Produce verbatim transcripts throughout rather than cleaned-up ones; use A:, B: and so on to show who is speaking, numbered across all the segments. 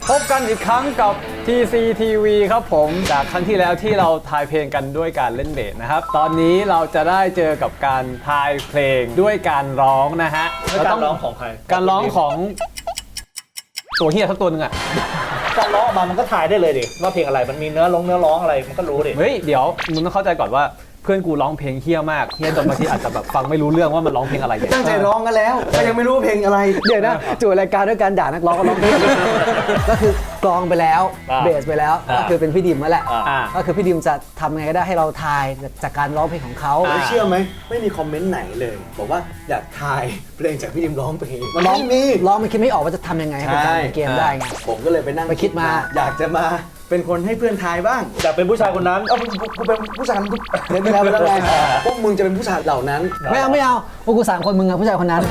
A: พบกันอีกครั้งกับ ที ซี ที วี ครับผมจากครั้งที่แล้วที่เราทายเพลงกันด้วยการเล่นเบสนะครับตอนนี้เราจะได้เจอกับการทายเพลงด้วยการร้องนะฮะ
B: การร้องของใคร
A: การร้องของตัวเฮียสักตัวหนึ่งอ่ะ
B: การร้องมามันก็ทายได้เลยดิว่าเพลงอะไรมันมีเนื้อร้องเนื้อร้องอะไรมันก็รู้ดิ
A: เฮ้ยเดี๋ยวมึงต้องเข้าใจก่อนว่าเพื่อนกูร้องเพลงเฮี้ยมากเฮี้ยจนบางทีอาจจะแบบฟังไม่รู้เรื่องว่ามันร้องเพลงอะไรเนี่ย
C: ตั้งใจร้องกันแล้วก็ยังไม่รู้เพลงอะไรเดี๋ยวนะจู่รายการด้วยการด่านักร้องก็ร้องเพลงก็คือกลองไปแล้วเบสไปแล้วก็คือเป็นพี่ดิมนั่นแหละก็คือพี่ดิมจะทำไงก็ได้ให้เราทายจากการร้องเพลงของเขาเชื่อไหมไม่มีคอมเมนต์ไหนเลยบอกว่าอยากทายเพลงจากพี่ดิมร้องเพลงมันร้องมีร้องมันคิดไม่ออกว่าจะทำยังไงให้เป็นการเกมได้ไงผมก็เลยไปนั่งไปคิดมาอยากจะมาเป็นคนให้เพื่อนทายบ้าง
B: อยากเป็นผู้ชายคนนั้น
C: เอ้ากูเป็นผู้ชายทุกเล่นไปแล้วไปแล้วไงพวกมึงจะเป็นผู้ชายเหล่านั้นไม่เอาไม่เอาพวกกูสามคนมึงอะผู้ชายคนนั้น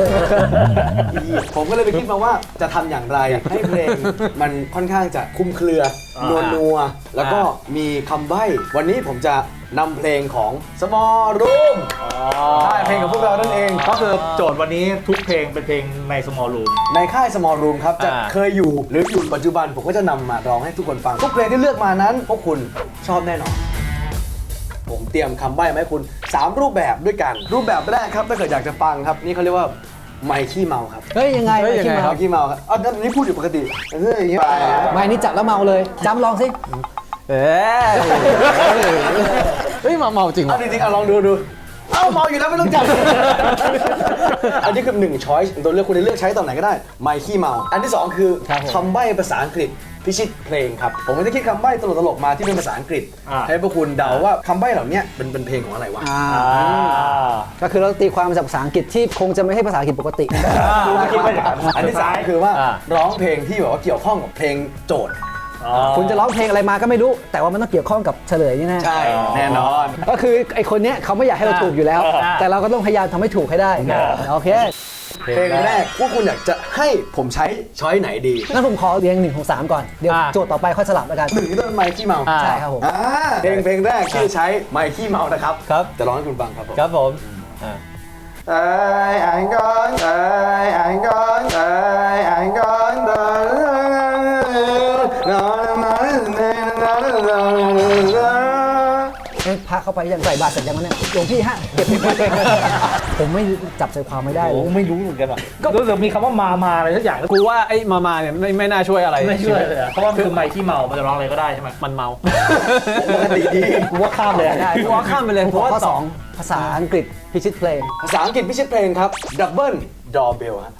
C: ผมก็เลยไปคิดมาว่าจะทำอย่างไรให้เพลงมันค่อนข้างจะคุ้มเครือนัวนัวแล้วก็มีคำใบ้วันนี้ผมจะนำเพลงของ Small Room ค่ายเพลงของพวกเรานั่นเอง
B: ก็คือโจทย์วันนี้ทุกเพลงเป็นเพลงใน Small Room
C: ในค่าย Small Room ครับจะเคยอยู่หรืออยู่ปัจจุบันผมก็จะนำมาร้องให้ทุกคนฟังทุกเพลงที่เลือกมานั้นพวกคุณชอบแน่นอนผมเตรียมคำใบ้มาให้คุณสามรูปแบบด้วยกันรูปแบบแรกครับถ้าเกิดอยากจะฟังครับนี่เขาเรียกว่าไมค์ขี้เมาครับเฮ้ยยังไงไมค์ขี้เมาขี้เมาครับอ๋อนี่พูดอยู่ปกติเฮ้ยอย่างเงี้ยไมค์นี่จับแล้วเมาเลยจำลองสิเอ๊ะ
A: เฮ้ยมาเมาจริงเหรอ
C: จริงๆเอาลองดูดูเอ้าเมาอยู่แล้วไม่ต้องจับอันนี้คือหนึ่งช้อยส์ตัวเลือกคุณจะเลือกใช้ตอนไหนก็ได้ไมค์ขี้เมาอันที่สองคือคำใบ้ภาษาอังกฤษพิชิตเพลงครับผมก็จะคิดคำใบ้ตลกๆมาที่เป็นภาษาอังกฤษให้พวกคุณเดาว่าคำใบ้เหล่านี้เป็นเป็นเพลงของอะไรวะก็คือเราตีความมาจากภาษาอังกฤษที่คงจะไม่ใช่ภาษาอังกฤษปกติอันที่สามคือว่าร้องเพลงที่แบบว่าเกี่ยวข้องกับเพลงโจทย์คุณจะร้องเพลงอะไรมาก็ไม่รู้แต่ว่ามันต้องเกี่ยวข้องกับเฉลยนี่แน่ใช่แน่นอนก็คือไอคนเนี้ยเขาไม่อยากให้เราถูกอยู่แล้วแต่เราก็ต้องพยายามทำให้ถูกให้ได้โอเคเพลงแรกพวกคุณอยากจะให้ผมใช้ช้อยไหนดีงั้นผมขอเรียงหนึ่งของสามก่อนเดี๋ยวโจทย์ต่อไปค่อยสลับแล้วกันหนึ่งที่ต้นไมค์ขี้เมาใช่ครับผมเพลงเพลงแรกที่ใช้ไมค์ขี้เมานะครับครับจะร้องให้คุณฟังครับผม
A: ครับผม
C: ไอ้ไอ้ก้อนไอ้ไอ้ก้อนไอ้ไอ้ก้อนนอนนอนนอนนอนพาเข้าไปยังใส่บาตรเสร็จยังเนี่ยหลวงพี่ฮะเก็บไปผมไม่จับใจความไม่ได้เลย
B: ไม่รู้เหมือนกันอ่ะก็รู้สึกมีคำว่ามามาอะไรสักอย่าง
A: กูว่าไอ้มามาเนี่ยไม่ไม่น่าช่วยอะไร
B: ไม่ช่วยเลยเพราะว่าคือไมค์ที่เมามันจะร้องอะไรก็ได้ใช่ไหม
A: มันเมา
C: ปกติดี
B: กูว่าข้ามเลย
A: ได้กูว่าข้ามไปเลยเพราะว่าสอง
C: ภาษาอังกฤษพิชิตเพลงภาษาอังกฤษพิชิตเพลงครับ Double Doorbell ฮะ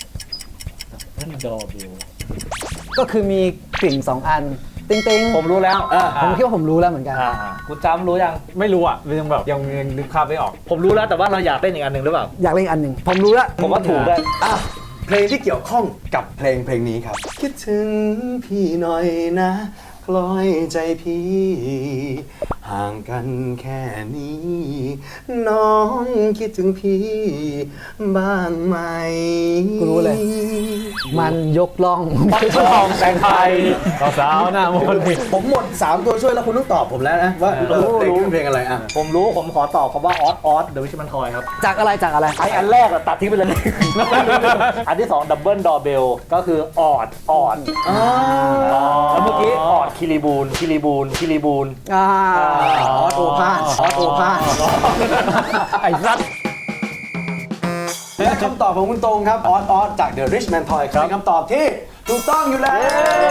B: Double Doorbell
C: ก็คือมีกลิ่งสองอันติ๊งติ๊ง
B: ผมรู้แล้ว
C: ผมคิดว่าผมรู้แล้วเหมือนกัน
B: คุณจำรู้ยัง
A: ไม่รู้อ่ะยังแบบยังยังนึกภาพไม่ออก
B: ผมรู้แล้วแต่ว่าเราอยากเล่นอีกอันหนึ่งหรือเปล่า
C: อยากเล่นอีกอันหนึ่งผมรู้แล้ว
B: ผมว่าถูกได้
C: เพลงที่เกี่ยวข้องกับเพลงเพลงนี้ครับคิดถึงพี่หน่อยนะคล้อยใจพี่ห่างกันแค่นี้น้องคิดถึงพี่บ้างไหมกูรู้เลยมันยกล่อง
B: ปักทองแสงไทย
A: สาวหน้ามนต์
C: ผมหมดสามตัวช่วยแล้วคุณต้องตอบผมแล้วนะว่าเพลงเพลงอะไรอ่ะ
B: ผมรู้ผมขอตอบคำว่าออสออสเดอะวิชมันทอยครับ
C: จากอะไรจากอะไร
B: ไออันแรกตัดทิ้งไปเลยอันที่สองดับเบิลดอร์เบลก็คือออดออดแล้วเมื่อกี้ออดคิริบูนคิริบูนคิริบูน
C: ออสโอพานออสโอพาน
A: ไอ้รัด
C: และคำตอบของคุณตรงครับออสออสจาก The Rich Man Toy เป็นคำตอบที่ถูกต้องอยู่แล้ว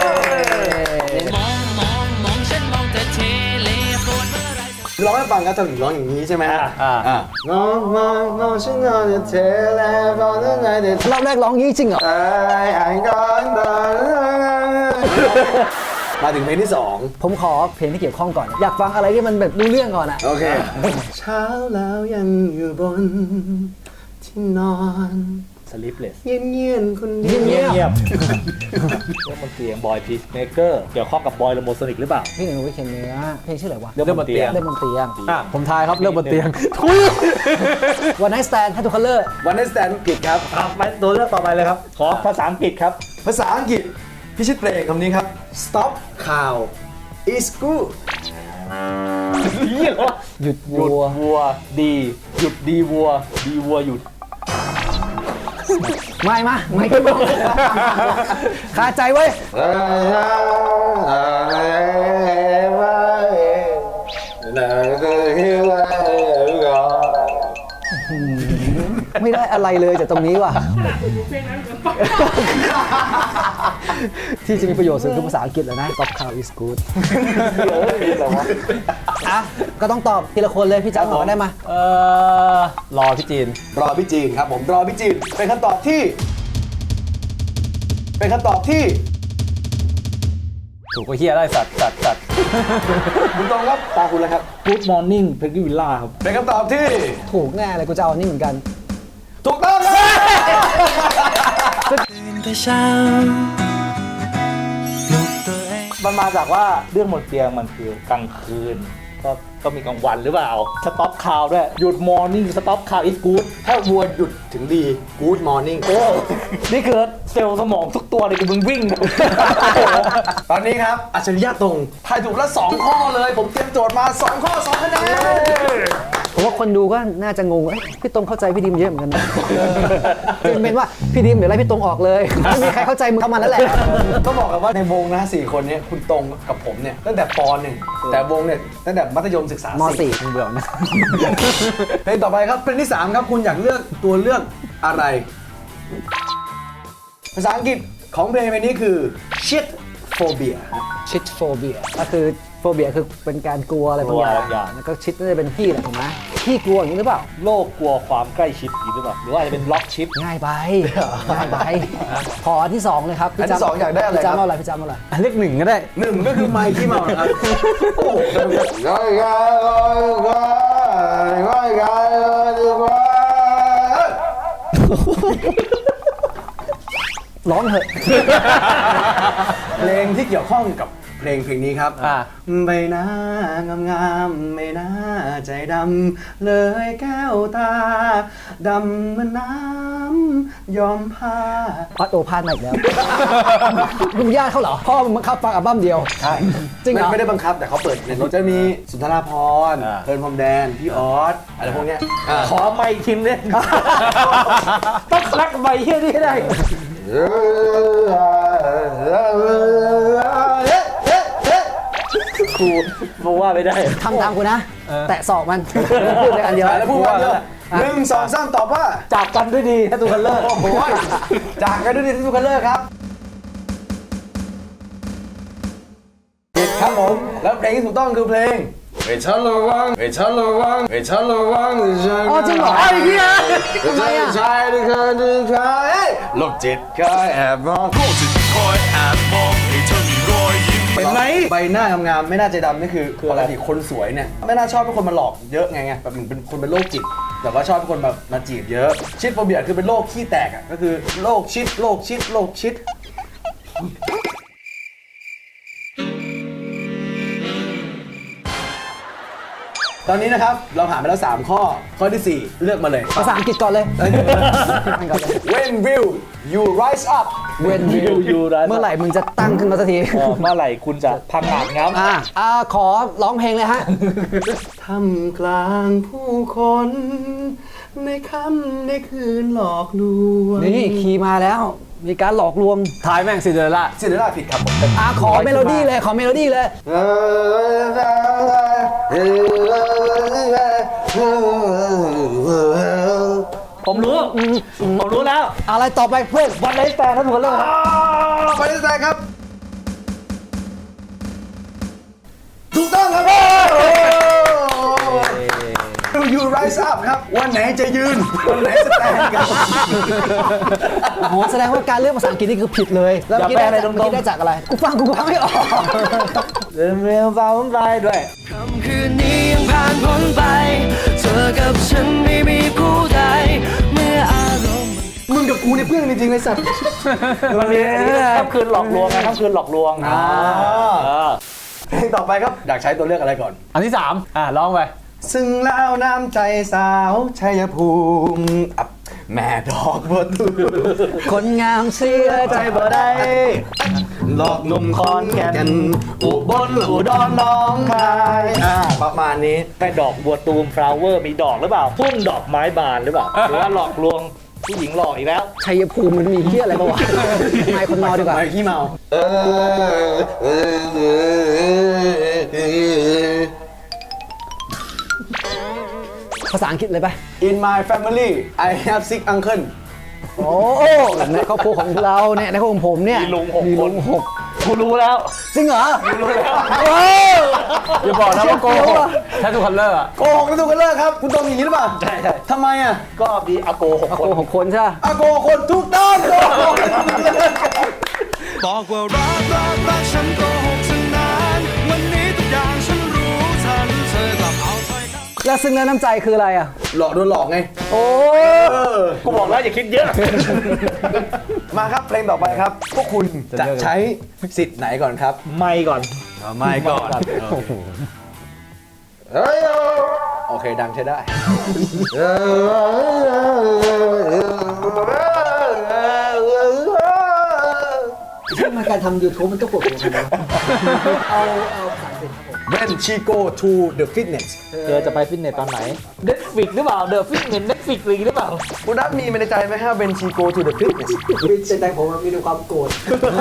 C: ร้องให้ฟังครับจะถึงร้องอย่างนี้ใช่ไหมฮะอ่ามองมองมองฉันนอนเทเลฟอนนั่นไงเด็ดรอบแรกร้องงี้จริงเหรอไอ้ไอ้ก้อนมาถึงเพลงที่สองผมขอเพลงที่เกี่ยวข้องก่อนอยากฟังอะไรที่มันแบบรู้เรื่องก่อนอ่ะโอเคเช้าแล้วยังอยู่บนที่นอน
B: สลิปเลส
C: เงียบเงียบคนเดียว
B: เงียบเงียบเรื่องบนเตียงบอยพีซเมเกอร์เกี่ยวข้องกับบอยโลโมโซนิกหรือเปล่า
C: พี่หนึ่งวิเคนเนื้อเพลงชื่ออะไรวะ
B: เรื่องบนเตียง
C: เรื่องบนเตียง
A: ผมทายครับเรื่องบนเตียง
C: วันไนท์สแตนด์ให้ทุกคัลเลอร์วันไนท์สแตนด์ผิดครับ
B: ไปตัวเลือกต่อไปเลยครับขอภาษาอังกฤษครับ
C: ภาษาอังกฤษพิชิตเพลงคำนี้ครับ stop cow is good หยุดวัว
B: วัวดีหยุดดีวัวดีวัวหยุด
D: ไม่มาไม่ก็มองคาใจเว้ยไม่ได้อะไรเลยจากตรงนี้ว่ะที่จะมีประโยชน์สุดคือภาษาอังกฤษแล้วนะ Stop cow is good อ่ะก็ต้องตอบทีละคนเลยพี่จ้าบอกได้มา
A: เออรอพี่จีน
C: รอพี่จีนครับผมรอพี่จีนเป็นคำตอบที่ เป็นคำตอบที่
A: ถูกก็เฮียได้สัตว์สัตว์สัตว์
C: คุณตรงครับตาคุณแล้วครับ
B: Good Morning p e g g y Villa ครับ
C: เป็นคำตอบที่
D: ถูกแน่เลยกูจะเอาอันนี้เหมือนกัน
C: ถูกต้องครับ
B: มันมาจากว่าเรื่องบนเตียงมันคือกลางคืน ก็ก็มีกลางวันหรือเปล่า Stop Cow ด้วย หยุด Morning Stop Cow is good
C: ถ้าวัวหยุดถึงดี Good morning
B: โอ้นี่คือเซลล์สมองทุกตัวเลยกูมึงวิ่ง
C: ตอนนี้ครับอัจฉริยะตรงทายถูกแล้วสองข้อเลย ผมเตรียมโจทย์มาสองข้อสองคะแนน
D: ผมว่าคนดูก็น่าจะงงเอ้ยพี่ตรงเข้าใจพี่ดิมเยอะเหมือนกันนะเป็นเป็นว่าพี่ดิมเดี๋ยวไล่พี่ตรงออกเลยไม่มีใครเข้าใจมึงเข้ามาแล้วแหละ
C: ก็บอกกันว่าในวงนะสี่คนเนี้คุณตรงกับผมเนี่ยตั้งแต่ปหนึ่งแต่วงเนี่ยตั้งแต่มัธยมศึกษาม
D: สี่มึงเบื่อนะ
C: เพลงต่อไปครับเพลงที่สามครับคุณอยากเลือกตัวเลือกอะไร ภาษาอังกฤษของเพลงเพลงนี้คือ shit phobia
D: ชิดโฟเบียก็คือโฟเบียคือเป็นการกลัวอะไรบางอย่าง
B: กลัวบางอย่าง
D: แล้วก็ชิดน่าจะเป็นพี่แหละถูกไหมพี่กลัวอย่างนี้หรือเปล่า
B: โลกกลัวความใกล้ชิดอย่างนี้หรือเปล่า หรือว่าอาจจะเป็นล็อกชิป
D: ง่ายไปง่ายไปขออันที่สองเลยครับ
C: อันที่สองอยากได้อะไร
D: พี่
C: ครั
D: จ้า
C: บ
D: เอาอะไรพี่จ้าเอาอะไร
A: เลขหนึ่งก็ได้
C: หนึ่งก็คือไมค์ที่เมาครับโอ้โห
D: ร้องเถอะ
C: เพลงที่เกี่ยวข้องกับเพลงเพลงนี้ครับ
A: อ่า
C: ใบหน้างามงามๆไม่น่าใจดำเลยแก้วตาดำเหมือนน้ำยอมผ้า
D: ออสโอพานมาอีกแล้วลุงญาติเขาเหรอพ่อมึงบังคับฟังอัลบั้มเดียว
C: ใช่
D: จริงเหรอ
C: ไม่ไม่ได้บังคับแต่เขาเปิดในรถจะมีสุนทราภรณ์
A: อ่า
C: เพลินพรมแดน พี่ออสอะไรพวกเนี้ยอ่า
B: ขอไม่ทีมเนี่ยต้องรักใบเฮียนี่ให้ได้ ครูบอกว่าไม่ได้
D: ทำตามกูนะ แตะศอกมันพูดเลยอันเดียว
C: แล้วพูดว่าเยอะหนึ่งสองสามตอบว่า
B: จากกันด้วยดีถ้าตูกันเลิก
C: โอ้โหจากกันด้วยดีที่ทุกคนเลิกครับผิดครับผมแล้วเพลงที่ถูกต้องคือเพลงไม่ชันระวังไม่ชันระวังไม่ชันระวัง
D: อ๋อจริงเหรอไอ้เหี้ยทำไมอ่ะ
C: ชายที่เคยดึงใครโลกจิตเคยแอบมอง
E: โลกจิตคอยแอบมองให้เธอมีรอยยิ้ม
C: เห็นไหมใบหน้างามๆไม่น่าใจดำนี่คือปกติคนสวยเนี่ยไม่น่าชอบให้คนมาหลอกเยอะไงไงแบบเหมือนเป็นคนเป็นโรคจิตแต่ว่าชอบให้คนแบบมาจีบเยอะชิดโฟเบียคือเป็นโรคขี้แตกอ่ะก็คือโรคชิดโรคชิดโรคชิดตอนนี้นะครับเราผ่านไปแล้วสามข้อข้อที่สี่เลือกมาเลย
D: ภาษาอังกฤษก่อนเลย
C: When will you rise up
D: When will you เมื่อไหร่มึงจะตั้งขึ้นมาสักที
B: เออเมื่อไหร่คุณจะพังงาดง้ำ
D: อ่าอ่าขอร้องเพลงเลยฮะ
C: ท่ามกลางผู้คน ในค่ำในคืนหลอกลวง
D: นี่คีย์มาแล้ว มีการหลอกลวง
A: ทายแม่งซินเดอเรลล่า
C: ซินเดอเรลล่าผิดครับผม
D: อ่าขอเมโลดี้เลยขอเมโลดี้เลย
B: ผมรู้ ผมรู้แล้ว
D: อะไรต่อไปเพื่อน
B: วันไนท์แฟนถ้าตูกันเลิกครับ
C: ไปที่แซงครับ ถูกต้องครับ Will you rise up ครับ วันไหนจะยืน วันไหนจะแต่งกัน
D: โอ้โหแสดงว่าการเลือกภาษาอังกฤษนี่คือผิดเลยแล้วเมื่อกี้ได้จากเมื่อกี้ได้จากอะไรกูฟังกูฟังไม่ออก
B: เรื่องเรื่องฟ้าผมไปด้วย
F: ค่ำคืนนี้ยังผ่านพ้นไป เธอกับฉันไม่มีผู้ใด เมื่ออารมณ์
C: มึงกับกูเนี่ยเพื่อนกันจริงๆเลยสัตว์
B: มันมีค่ำคืนหลอกลวงไงค่ำคืนหลอกลวง
C: อ่า
B: เออ
C: เพลงต่อไปครับ อยากใช้ตัวเลือกอะไรก่อน
A: อันที่สามอ่ะร้องไป
C: ซึ่งแล้วน้ำใจสาวชัยภูมิอับแม่ดอกบัวตู
D: คนงามเสียใจ
C: ใจบ่ได้หลอกหนุ่มคอนแก่นอุบลอุดรน้องคายอ่าประมาณนี้
B: แม่ดอกบัวตูมฟลาวเวอร์มีดอกหรือเปล่าทุ่งดอกไม้บานหรือเปล่า หรือว่าหลอกลวงผู้หญิงหล่ออีกแล้ว
D: ชัยภูมิมันมีเหี้ยอะไรบ้างวะไมค์คนเมาดีกว่า
C: ไมค์ขี้เมาเออ
D: ภาษาอังกฤษเลยปะ
C: In my family I have six uncle
D: โอ้ในครอบครัวของเราเนี่ยในครอบครัวของผมเนี่ย
B: มีลุงหก
D: มี
B: ค
D: ลุ
B: น
D: งหก
B: กูรู้แล้ว
D: จริงเหรอ
B: รู้แล้ว
D: โอ้
A: อย่าบอกนะว่าโกหกแททูคัลเลอร์อะ
C: โกหกนะทุกคนเลิกครับ คุณต้องอย่างนี้หรือเปล่า
B: ใช่ใช่
C: ทำไมอ่ะ
B: ก็มีอาโกหก
D: โห
B: คน
D: หกคนใช่ปะ
C: อาโกคนทุกต้นโกหก
E: บอกว่ารักรักรักฉันโกหกฉันนานวันนี้ทุกอย่างฉันรู้ทันเธอกลับเอาถ้อยคำ
D: แล้วซึ่งแล้วน้ำใจคืออะไรอ่ะ
C: หลอกโดนหลอกไง
D: โอ้
B: กูบอกแล้วอย่าคิดเยอะ
C: มาครับเพลงต่อไปครับ พวกคุณจะใช้สิทธิ์ไหนก่อนครับ
B: ไม่ก่อน
C: ไม่ก่อนเฮ้ยโอเคดังใช้ได้
D: ที่มาการทำ YouTube มันก็ปวดหัวกันนะเอาเอาภาษาอังกฤษครับผม
C: When she go to the fitness
B: เธอจะไปฟิตเนสตอนไหน Netflix หรือเปล่า The Fitness Netflix หรือเปล่า
C: คุณนัทมีในใจไหมฮะ When she go to the fitness
D: เป็นใจผมมีความโกรธ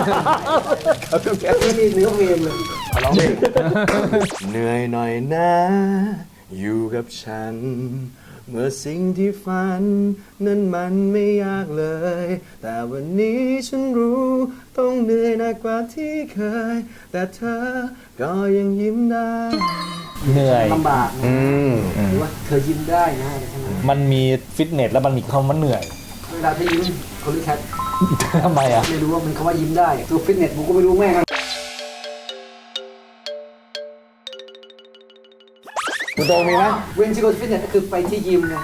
D: ไม่มีเนื้อเพลงเลย
C: ร้องเพลงเหนื่อยหน่อยนะ อยู่กับฉัน เมื่อสิ่งที่ฝัน นั้นมันไม่ยากเลย แต่วันนี้ฉันรู้ต้องเหนื่อยหนักกว่าที่เคย แต่เธอก็ยังยิ้มได้
B: เหนื่อย
D: ลำบากนะหรือว่าเธอยิ้มได้นะอะไรใช่ไหม
B: มันมีฟิตเนสแล้วมันมีคำว่าเหนื่อย
D: เวลาที่ยิ้มคนที่แคท
B: ทำไมอ่ะ
D: ไม่รู้ว่ามันคำว่ายิ้มได้ตัวฟิตเนสผมก็ไม่รู้แม่ง
C: คุณโตมีไหม
D: เวนซิโกฟิตเนสก็คือไปที่ยิมไง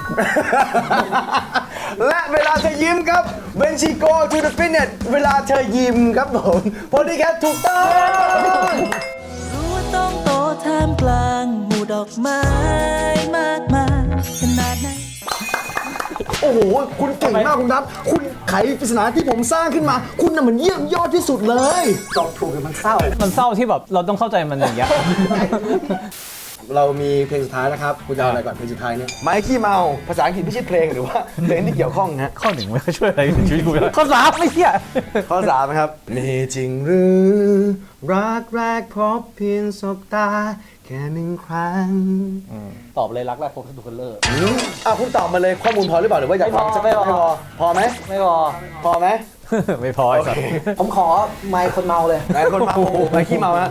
C: และเวลาเธอยิ้มครับ When she go to the fitness เวลาเธอยิ้มครับผมพอดีแคทถูกต้อง
F: รู้ว่าต้องโตท่ามกลางหมู่ดอกไม้มากมายขนาดไหน
C: โอ้โห คุณเก่งมากคุณนัทคุณไขปริศนาที่ผมสร้างขึ้นมา คุณน่ะมันเยี่ยมยอดที่สุดเลย
D: ตอบถูกแต่มันเศร้า
A: มันเศร้าที่แบบเราต้องเข้าใจมันอย่างเงี้ย
C: เรามีเพลงสุดท้ายนะครับ คุณจะเอาอะไรก่อนเพลงสุดท้ายเนี่ยไม้ขี้เมา ภาษาอังกฤษไม่ใช่เพลงหรือว่าเพลงที่เกี่ยวข้องนะฮะ
A: ข้อหนึ่งไม่ค่อยช่วยอะไรในชีวิตกูเลยข้อสามไม่เที่ย
C: ข้อสามนะครับ มีจริงหรือ รักแรกพบเพียงสบตา แค่หนึ่งครั้ง
B: ตอบเลยรักแรกพบทุกคนเลิก
C: อืมอ่ะคุณตอบมาเลยข้อมูลพอหรือเปล่าหรือว่าอยากฟัง
B: ไม่พอ
C: ไม่พอ พอไหม
B: ไม่พอ
C: พอไหม
A: ไม่พอไอ้สัส
D: ผมขอไมค์คนเมาเลย
C: ไหนคนเมาไม้ขี้เมาฮะ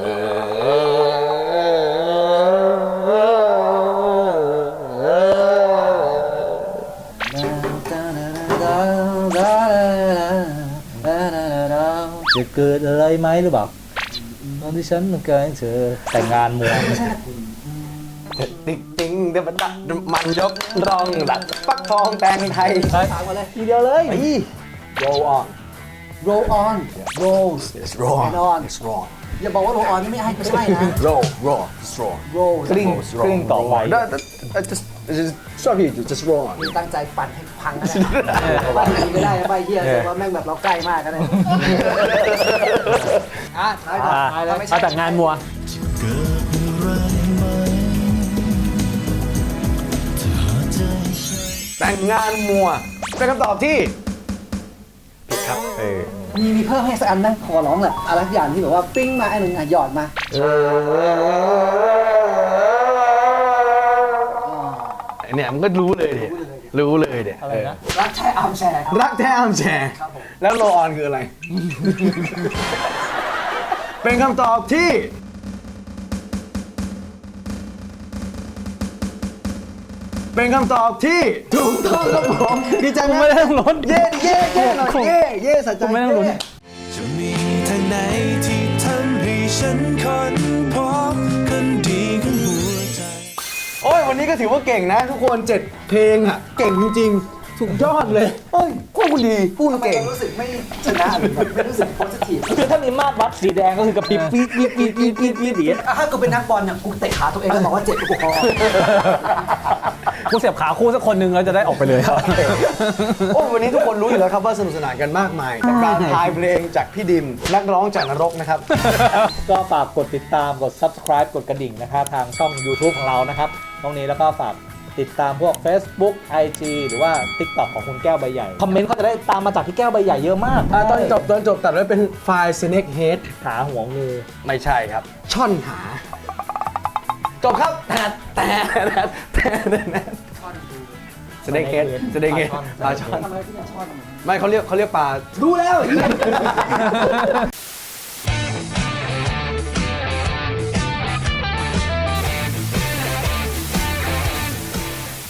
B: จะเกิดอะไรไหมหรือเปล่าตอนที่ฉันมันเกิดเธอแต่งงานมัว
C: ติ๊กติ๊งเดบัตตะมันยกรองดัดฟักทองแตงไทย
D: ถามมาเลย
B: ทีเดียวเลย
C: อี roll on
D: roll on roll
C: it's wrong
D: and on
C: it's wrong
D: อย่าบอกว่า roll on นี่ไม่ให้ไม่ใช่นะ
C: roll roll it's wrong
D: roll
B: กลิ้งกลิ้งต่อไป
C: ได้ just just sorry just roll on
D: ตั้งใจปั่นให้พังนะปั่นไหนไม่ได้นะใบเฮียแต่ว่าแม่งแบบเราใกล้มากกันเลยอ่ะท้ายก่อน
A: อ่ะ
D: ท้ายแล้วไม่ใช่
A: เอาแต่งานมัว
C: แต่งงานมัวเป็นคำตอบที่
A: เออ
D: มีมีเพิ่มให้สักอันนะขอร้องแหละอะไรสักอย่างที่แบบว่าปิ้งมาไอ้หนึ่งอ่ะหยอดมา
C: เนี่ยมันก็รู้เลยเดี๋ยรู้เลยเดี๋ย
B: อะไรนะ
D: รักแท้อาร์มแชร์ครับ
C: รักแท้อามแชร์ แล้วโลออนคืออะไร เป็นคำตอบที่ เป็นคำตอบที่ถูกต้องครับผมดีใจไหม
A: ไม่ได้ต้องลุ้น
C: เย่เย่เย่หน่อยเย่เย่สะใจ
A: ผมไม่ต้องลุ้น
C: เย่
E: จะมีทางไหนที่ทำให้ฉันค้นพบคนดีของหัวใจ
C: โอ้ยวันนี้ก็ถือว่าเก่งนะ ทุกคนเจ็ดเพลงอ่ะ เก่งจริงๆสุดยอดเลยเฮ้ยพวกคุณดีพูด
D: ทำไม
C: เก่ง
D: เรารู้สึกไม่ชนะหรือแบบไม่รู้สึกโพสิทีฟ
B: คือถ้ามีมาตรวัดสีแดงก็คือกระพริบปี๊ดปี๊ดปี๊ดปี๊ดปี๊ดปี๊ดอย่างเงี้ย
D: ถ้ากูเป็นนักบอลเนี่ยกูเตะขาตัวเองแล้วบอกว่าเจ็บกูพอ
A: กูเสียบขาคู่สักคนหนึงแล้วจะได้ออกไปเลย
C: โอ้วันนี้ทุกคนรู้อยู่แล้วครับว่าสนุกสนานกันมากมายกับการทายเพลงจากพี่ดิม นักร้องจากนรกนะครับ
B: ก็ฝากกดติดตามกด subscribe กดกระดิ่งนะครับทางช่อง YouTube ของเรานะครับตรงนี้แล้วก็ฝากติดตามพวก Facebook ไอ จี หรือว่า TikTok ของคุณแก้วใบใหญ่ คอมเมนต์เขาจะได้ตามมาจากพี่แก้วใบใหญ่เยอะมาก
C: อ่ะตอนจบตอนจบตัดไว้เป็นไฟล์ snake head
B: หาหัวงู
C: ไม่ใช่ครับ ช่อนหา จบครับแต่แต่แต่แต่สเน็กเฮดสเน็กเฮดปลาช่อนไม่เขาเรียกเขาเรียกปลาดูแล้ว